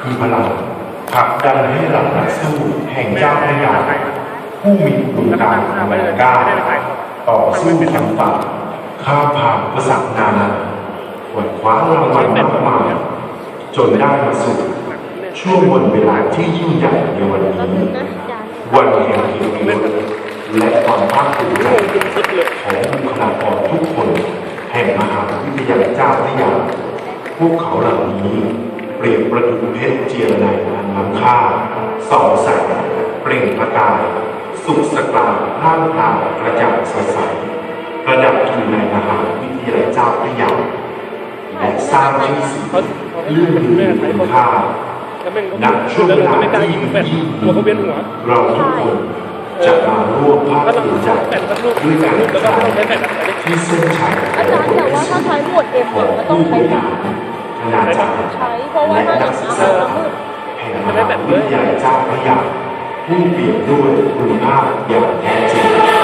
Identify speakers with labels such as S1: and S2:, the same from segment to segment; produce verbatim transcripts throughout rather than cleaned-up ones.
S1: คือพลังผลักดันให้เหล่านักสู้แห่งเจ้าพระยาผู้มีดวงตาแหวกกล้าต่อสู้ฟันฝ่าข้ามผ่านอุปสรรคนานาขวนคว้ารางวัลมากมายจนได้มาสู่ช่วงวันเวลาที่ยิ่งใหญ่ในวันนี้วันแห่งเกียรติยศและความภาคภูมิใจของบุคลากรทุกคนแห่งมหาวิทยาลัยเจ้าพระยาพวกเขาเหล่านี้เปรียบประดุจเพชรเจียรไนอันล้ำค่าส่องแสงเปล่งประกายสุขสกลาร่างกายกระจ่างสดใสประดับอยู่ในมหาวิทยาลัยเจ้าพระยาและสร้างชื่อเสียงเรื่องลือคุณค่าณช่วงเวลาที่ยิ่งเราทุกคนจะมาร่วมภาคภูมิใจด้วยการที่เส้นชัย
S2: อาจารย์แต่ว่าถ้าใช้หมวดเอ็มก็ต้องใช้แบบ
S1: คณาจารย์
S2: ใช้เพราะว่า
S1: และ
S2: ถ้าอ
S1: นั
S2: ย่าก ง
S1: ศึ
S2: นี้
S1: กษา
S2: มันมืด
S1: แห่งมหาวิทยาลัยเจ้าพระยาผู้เปลี่ยนด้วยคุณภาพอย่างแท้จริง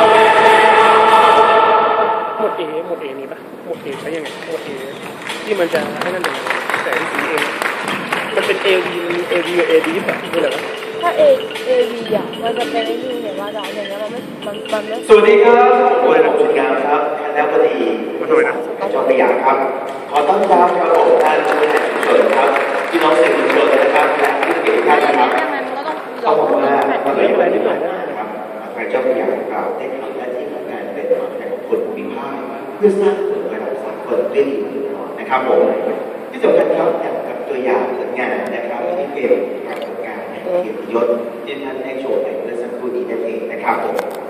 S3: หมวดเอหมวดเอมีปะหมวดเอใช้ยังไงหมวดเอที่มันจะให้นั่นเองแต่ที่สีเองมันเป็น เอ วี เอ วี กับ เอ ดี แบบนี่แหละ
S2: ถ้าเอเอวีอ่ะมันจะเป็นไอ้นี่เนี่ยว่าเราอย่างเงี้ยมันไม่มันมันไม่
S4: สวัสดีครับผมนายงามครับคณะบดีจอมพระยาครับขอต้อนรับครับผมท่านผู้แทนชุมชนครับพี่น้องสื่อมวลชนนะครับและผู้เกี่ยวข้องนะครับเขาบอกว่าวันนี้วันนี้นะครับพระเจ้าพระยาของเราได้ทำหน้าที่ของการเป็นตัวแทนของคนภูมิภาคเพื่อสร้างผลระดับสากลได้ดีนะครับผมที่สำคัญครับอย่างกับตัวอย่างผลงานนะครับที่เป็นปรากฏการณ์แห่งเกียรติยศที่ท่านได้โชว์ไปเมื่อสักครู่นี้นั่นเองนะครับผม